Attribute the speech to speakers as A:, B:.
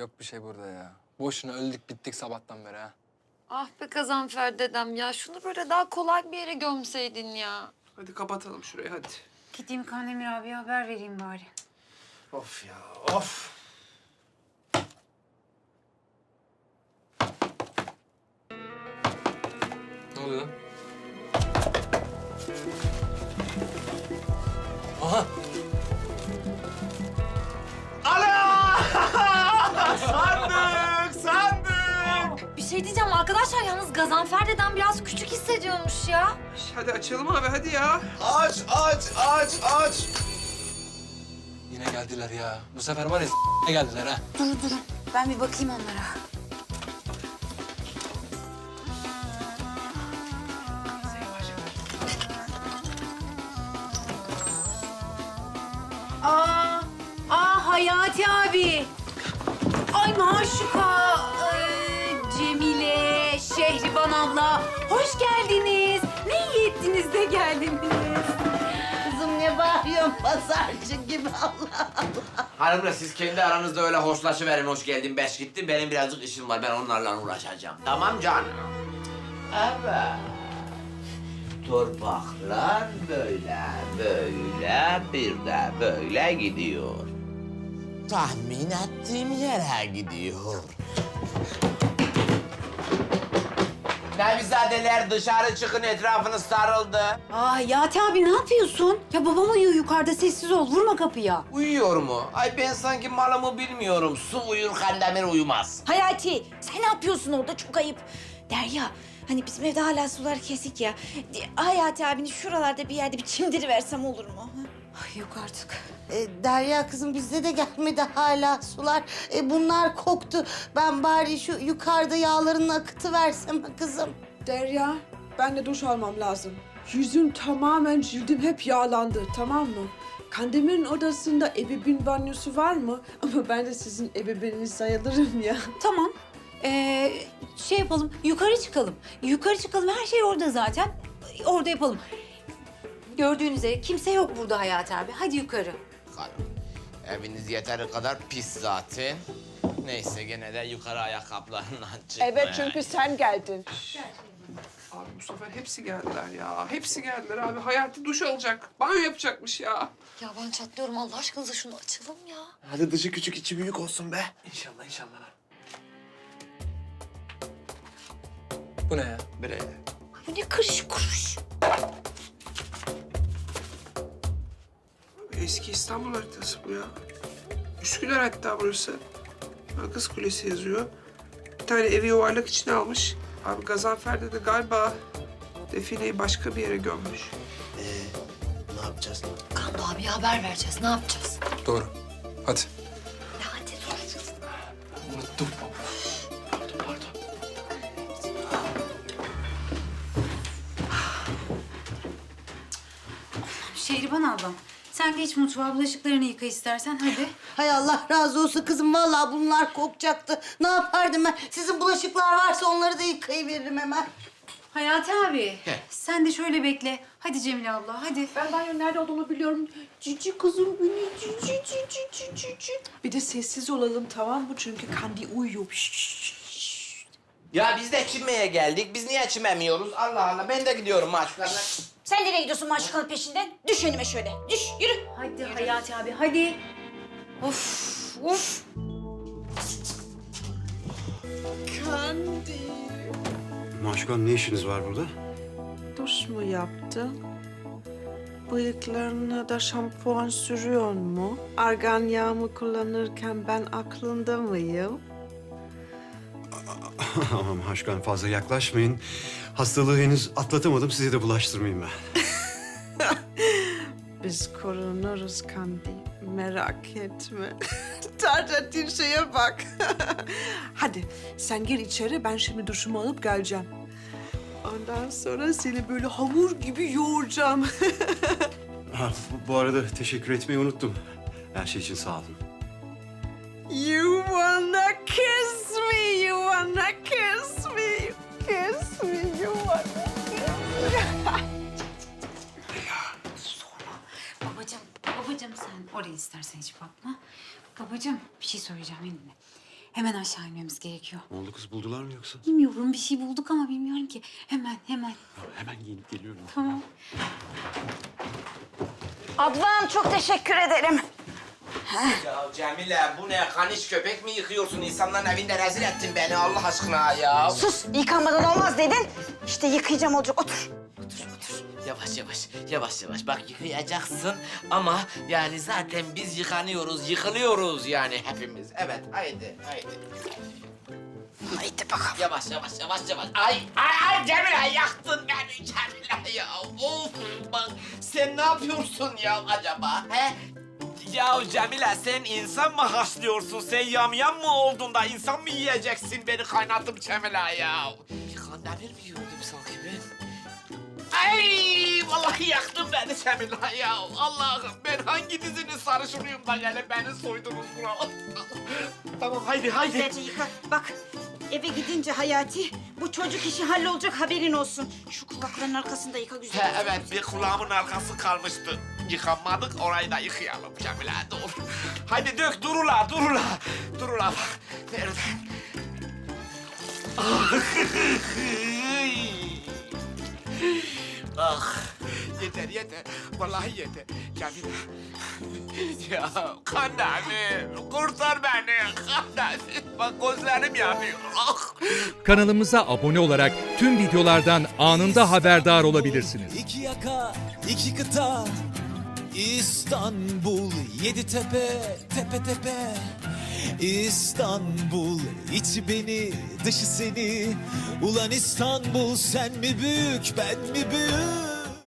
A: Yok bir şey burada ya. Boşuna öldük bittik sabahtan beri ha.
B: Ah be Gazanfer dedem ya. Şunu böyle daha kolay bir yere gömseydin ya.
C: Hadi kapatalım şurayı hadi.
D: Gideyim Kandemir abiye haber vereyim bari.
C: Of ya of.
A: Ne oluyor lan? Aha!
C: Sandık!
B: Bir şey diyeceğim arkadaşlar yalnız Gazanfer dedem biraz küçük hissediyormuş ya.
C: Hadi açalım abi hadi ya.
E: Aç.
A: Yine geldiler ya. Bu sefer var ya geldiler ha.
D: Durun. Ben bir bakayım onlara. Hayati abi. Ay Maşuka, Cemile, Şehriban abla. Hoş geldiniz. Ne iyi ettiniz de geldiniz.
F: Kızım ne bağırıyorsun pazarcı gibi Allah Allah.
E: Hanımlar siz kendi aranızda öyle hoşlaşıverin, hoş geldin, beş gittin. Benim birazcık işim var, ben onlarla uğraşacağım. Tamam canım. Evet. Torpaklar böyle bir de böyle gidiyor. Tahmin ettiğim yere gidiyor. Nevizadeler dışarı çıkın, etrafınız sarıldı.
D: Hayati abi ne yapıyorsun? Ya babam uyuyor yukarıda, sessiz ol. Vurma kapıya.
E: Uyuyor mu? Ay ben sanki malımı bilmiyorum. Su uyur, Kandemir uyumaz.
D: Hayati, sen ne yapıyorsun orada? Çok ayıp. Derya, hani bizim evde hala sular kesik ya. Hayati abini şuralarda bir yerde bir çimdiriversem olur mu? Ay yok artık.
F: Derya kızım bizde de gelmedi hala sular. Bunlar koktu. Ben bari şu yukarıda yağlarını akıtıversem kızım.
C: Derya ben de duş almam lazım. Yüzüm tamamen cildim hep yağlandı tamam mı? Kandemir'in odasında ebeveyn banyosu var mı? Ama ben de sizin ebeveyniniz sayılırım ya.
D: Tamam. Şey yapalım, yukarı çıkalım. Yukarı çıkalım, her şey orada zaten. Orada yapalım. Gördüğünüz üzere kimse yok burada Hayati abi. Hadi yukarı.
E: Hanım, eviniz yeteri kadar pis zaten. Neyse gene de yukarı ayakkabılarından çıkma.
G: Evet çünkü sen geldin.
C: Abi bu sefer hepsi geldiler ya. Hepsi geldiler abi. Hayati duş alacak. Banyo yapacakmış ya.
B: Ya ben çatlıyorum Allah aşkınıza şunu açalım ya.
E: Hadi dışı küçük içi büyük olsun be.
C: İnşallah inşallah.
A: Bu ne ya?
E: Bre.
D: Bu ne kırış kuruş.
C: Eski İstanbul haritası bu ya. Üsküdar hatta burası. Kız Kulesi yazıyor. Bir tane evi yuvarlak içine almış. Abi Gazanfer'de de galiba defineyi başka bir yere gömmüş.
E: Ne yapacağız?
B: Kando abiye haber vereceğiz ne yapacağız?
A: Doğru. Hadi.
B: Ya hadi soracağız.
A: Unuttum.
D: Şehriban ablam, sen geç mutfağa bulaşıklarını yıka istersen hadi.
F: Hay Allah razı olsun kızım. Vallahi bunlar kokacaktı. Ne yapardım ben? Sizin bulaşıklar varsa onları da yıkayıveririm hemen.
D: Hayati abi, sen de şöyle bekle. Hadi Cemile abla, hadi.
G: Ben banyonun nerede olduğunu biliyorum. Cici kızım beni cici.
C: Bir de sessiz olalım tamam mı? Çünkü Kandi uyuyor.
E: Ya biz de çimmeye geldik. Biz niye çimemiyoruz? Allah Allah. Ben de gidiyorum maçlarına.
D: Sen nereye gidiyorsun maşukanın peşinden? Düş önüme şöyle, düş, yürü. Hadi Hayati abi, hadi. Of.
H: Maşukan ne işiniz var burada?
C: Duş mu yaptın? Bıyıklarına da şampuan sürüyor mu? Argan yağımı kullanırken ben aklında mıyım?
H: Ama Maşukan fazla yaklaşmayın. Hastalığı henüz atlatamadım. Size de bulaştırmayayım ben.
C: Biz korunuruz Kandi. Merak etme. Tartın şeye bak. Hadi sen gir içeri. Ben şimdi duşumu alıp geleceğim. Ondan sonra seni böyle hamur gibi yoğuracağım.
H: Ha, bu arada teşekkür etmeyi unuttum. Her şey için sağ olun.
C: You wanna kiss me, you wanna kiss me, kiss me, you wanna kiss me.
D: Babacığım sen oraya istersen hiç bakma. Babacığım bir şey söyleyeceğim benimle. Hemen aşağı inmemiz gerekiyor.
H: Ne oldu kız, buldular mı yoksa?
D: Bilmiyorum, bir şey bulduk ama bilmiyorum ki. Hemen.
H: Hemen giyinip geliyorum.
D: Tamam.
I: Adnan çok teşekkür ederim.
E: Ya Cemile bu ne? Kaniş köpek mi yıkıyorsun? İnsanların evinde rezil ettin beni Allah aşkına ya.
I: Sus, yıkanmadan olmaz dedin. İşte yıkayacağım olacak. Otur.
E: Yavaş. Bak yıkayacaksın ama yani zaten biz yıkılıyoruz yani hepimiz. Evet, haydi.
I: Haydi bakalım.
E: Yavaş. Ay Cemile yaktın beni Cemile ya. Of bak sen ne yapıyorsun ya acaba he? Ya Cemile sen insan mı haşlıyorsun? Sen yamyam mı oldun da insan mı yiyeceksin beni kaynattım Cemile ya? Kandemir mi yiyordum sanki ben? Ay vallahi yaktın beni Cemile ya. Allah'ım ben hangi dizinin sarışınıyım da gelip beni soydunuz buna. Tamam haydi.
I: Güzelce yıka. Bak, eve gidince Hayati, bu çocuk işi hallolacak haberin olsun. Şu kulakların arkasında yıka güzel.
E: He, evet bir kulağımın arkası kalmıştı. Yıkanmadık orayı da yıkayalım Cemile dur. Haydi dök durula. Durula bak. Nerede? Ah yeter. Vallahi yeter. Cemile. Ya Kandemir kurtar beni Kandemir. Bak gözlerim yanıyor. Ah.
J: Kanalımıza abone olarak tüm videolardan anında haberdar olabilirsiniz.
K: İki yaka, iki kıta, İstanbul, yedi tepe, tepe tepe. İstanbul, içi beni, dışı seni. Ulan İstanbul, sen mi büyük, ben mi büyük?